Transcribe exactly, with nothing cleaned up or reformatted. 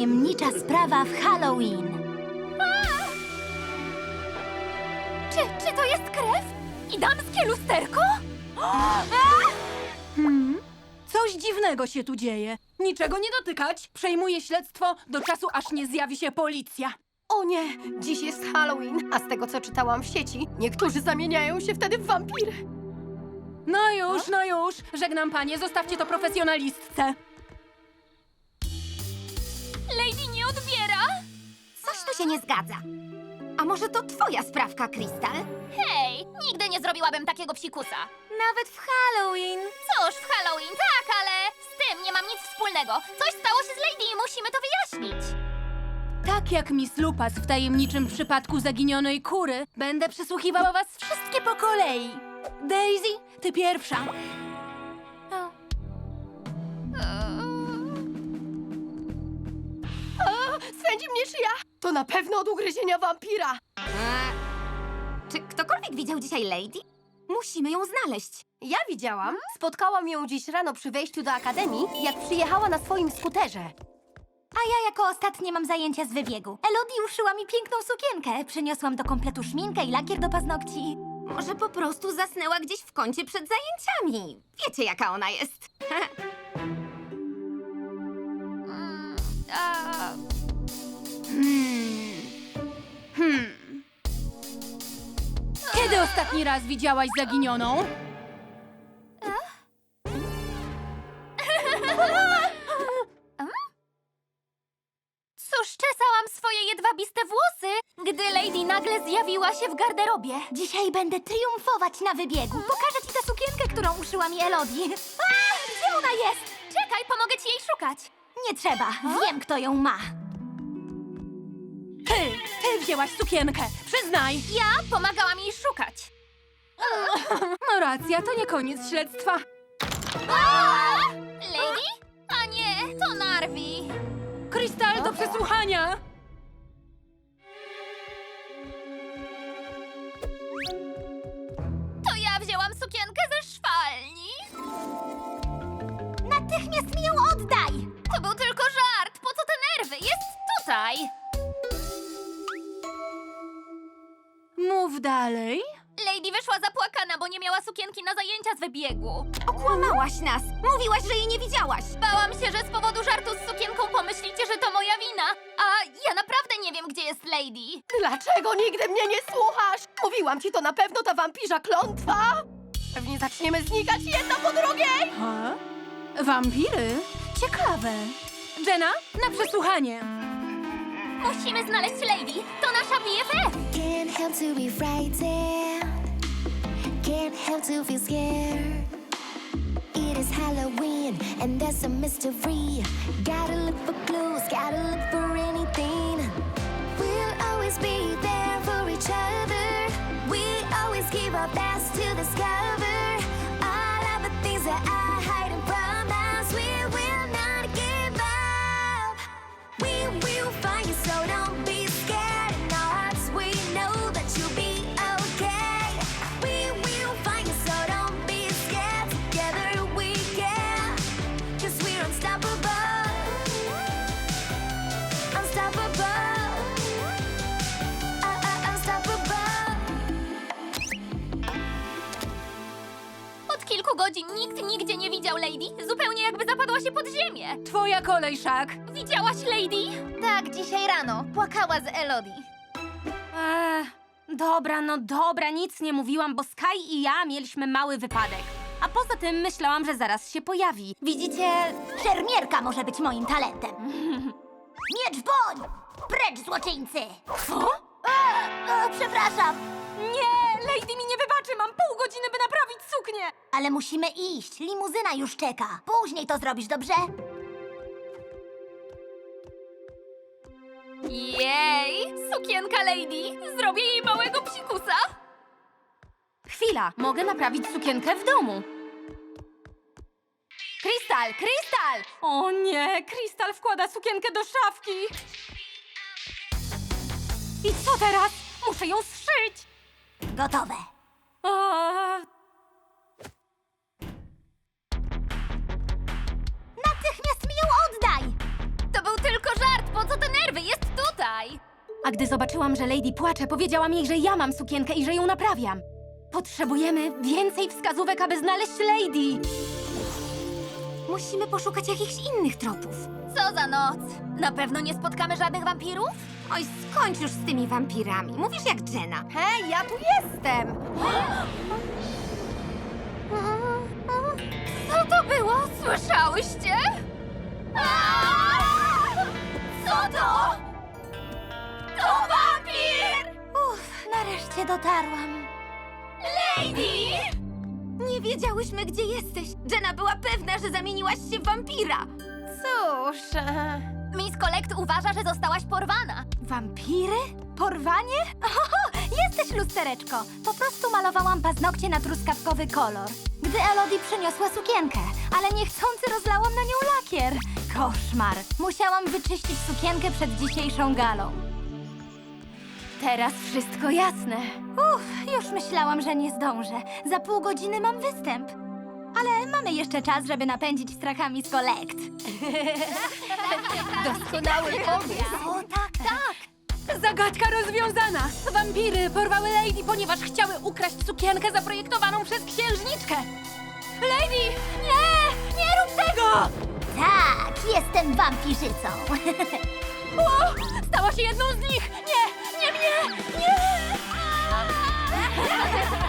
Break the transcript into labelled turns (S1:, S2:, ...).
S1: Tajemnicza sprawa w Halloween.
S2: Czy, czy to jest krew? I damskie lusterko?
S3: Hmm? Coś dziwnego się tu dzieje. Niczego nie dotykać. Przejmuję śledztwo do czasu, aż nie zjawi się policja.
S4: O nie, dziś jest Halloween, a z tego co czytałam w sieci, niektórzy zamieniają się wtedy w wampiry.
S3: No już, no już. Żegnam panie, zostawcie to profesjonalistce.
S2: Lady nie odbiera?
S1: Coś tu się nie zgadza. A może to twoja sprawka, Krystal?
S2: Hej, nigdy nie zrobiłabym takiego psikusa.
S1: Nawet w Halloween.
S2: Cóż, w Halloween tak, ale z tym nie mam nic wspólnego. Coś stało się z Lady i musimy to wyjaśnić.
S3: Tak jak Miss Lupas w tajemniczym przypadku zaginionej kury, będę przesłuchiwała was wszystkie po kolei. Daisy, ty pierwsza.
S4: A, swędzi mnie szyja! To na pewno od ugryzienia wampira!
S1: Czy ktokolwiek widział dzisiaj Lady? Musimy ją znaleźć.
S4: Ja widziałam, spotkałam ją dziś rano przy wejściu do akademii, jak przyjechała na swoim skuterze.
S1: A ja jako ostatnie mam zajęcia z wybiegu. Elodie uszyła mi piękną sukienkę. Przyniosłam do kompletu szminkę i lakier do paznokci. Może po prostu zasnęła gdzieś w kącie przed zajęciami. Wiecie, jaka ona jest.
S2: Mm, a...
S1: Hmm. Hmm.
S3: Kiedy ostatni raz widziałaś zaginioną?
S2: Cóż, czesałam swoje jedwabiste włosy, gdy Lady nagle zjawiła się w garderobie.
S1: Dzisiaj będę triumfować na wybiegu. Pokażę ci tę sukienkę, którą uszyła mi Elodie. A, gdzie ona jest?
S2: Czekaj, pomogę ci jej szukać.
S1: Nie trzeba. Wiem, kto ją ma.
S3: Ty, ty wzięłaś sukienkę. Przyznaj.
S2: Ja pomagałam jej szukać.
S3: No racja, to nie koniec śledztwa.
S2: Lady? A nie, to Narwi.
S3: Krystal do przesłuchania.
S2: To ja wzięłam sukienkę ze szwalni.
S1: Natychmiast mi ją oddaj!
S2: To był tylko żart. Po co te nerwy? Jest tutaj.
S3: Mów dalej.
S2: Lady wyszła zapłakana, bo nie miała sukienki na zajęcia z wybiegu.
S1: Okłamałaś nas. Mówiłaś, że jej nie widziałaś.
S2: Bałam się, że z powodu żartu z sukienką pomyślicie, że to moja wina. A ja naprawdę nie wiem, gdzie jest Lady.
S4: Dlaczego nigdy mnie nie słuchasz? Mówiłam ci, to na pewno ta wampirza klątwa! Pewnie zaczniemy znikać jedna po drugiej!
S3: Ha? Wampiry? Ciekawe. Jenna, na przesłuchanie.
S2: Musimy znaleźć Lady. To nasza B F F.
S5: Can't help to be frightened. Can't help to feel scared. It is Halloween and there's a mystery. Gotta look for clues, gotta look for anything. We'll always be there for each other. We always give our best to discover all of the things that are hiding from us. We will not give up. We will find you, so don't be scared. In our hearts we know that you'll be okay. We will find you, so don't be scared. Together we can, 'cause we're unstoppable. Unstoppable. Uh, uh, unstoppable.
S2: Od kilku godzin nikt nigdzie nie widział Lady. Zupełnie jakby zapadła się pod ziemię.
S3: Twoja kolej, Szak.
S2: Widziałaś Lady?
S1: Tak, dzisiaj rano. Płakała z Elodie.
S6: Eee, dobra, no dobra, nic nie mówiłam, bo Sky i ja mieliśmy mały wypadek. A poza tym myślałam, że zaraz się pojawi.
S1: Widzicie, szermierka może być moim talentem. Miecz w boń! Precz, złoczyńcy!
S6: Co?
S1: E, e, przepraszam,
S6: Nie, Lady mi nie wybaczy, mam pół godziny, by naprawić suknię.
S1: ale musimy iść. Limuzyna już czeka. Później to zrobisz, dobrze?
S2: Jej! Sukienka Lady! Zrobię jej małego psikusa!
S6: Chwila, mogę naprawić sukienkę w domu. Krystal, Krystal! O nie, Krystal wkłada sukienkę do szafki. I co teraz? Muszę ją zszyć.
S1: Gotowe.
S6: A,
S1: Natychmiast mi ją oddaj!
S2: To był tylko żart,
S6: A gdy zobaczyłam, że Lady płacze, powiedziałam jej, że ja mam sukienkę i że ją naprawiam. Potrzebujemy więcej wskazówek, aby znaleźć Lady.
S1: Musimy poszukać jakichś innych tropów.
S2: Co za noc? Na pewno nie spotkamy żadnych wampirów?
S1: Oj, skończ już z tymi wampirami. Mówisz jak Jenna.
S4: Hej, ja tu jestem!
S2: Co to było? Słyszałyście? Aaaa! Co to? To wampir!
S1: Uff, nareszcie dotarłam.
S2: Lady!
S1: Nie wiedziałyśmy, gdzie jesteś. Jenna była pewna, że zamieniłaś się w wampira.
S4: Cóż... e,
S2: Miss Collect uważa, że zostałaś porwana.
S1: Wampiry? Porwanie? Oho, jesteś lustereczko. Po prostu malowałam paznokcie na truskawkowy kolor. Gdy Elodie przyniosła sukienkę, ale niechcący rozlałam na nią lakier. Koszmar. Musiałam wyczyścić sukienkę przed dzisiejszą galą.
S6: Teraz wszystko jasne.
S1: Uff, już myślałam, że nie zdążę. Za pół godziny mam występ. Ale mamy jeszcze czas, żeby napędzić strachami z Collect.
S4: Doskonały pomysł!
S1: O tak, tak.
S3: Zagadka rozwiązana! Wampiry porwały Lady, ponieważ chciały ukraść sukienkę zaprojektowaną przez księżniczkę. Lady! Nie! Nie rób tego!
S1: Tak, jestem wampirzycą.
S3: O! Stała się jedną z nich! Nie! Nie mnie! Nie!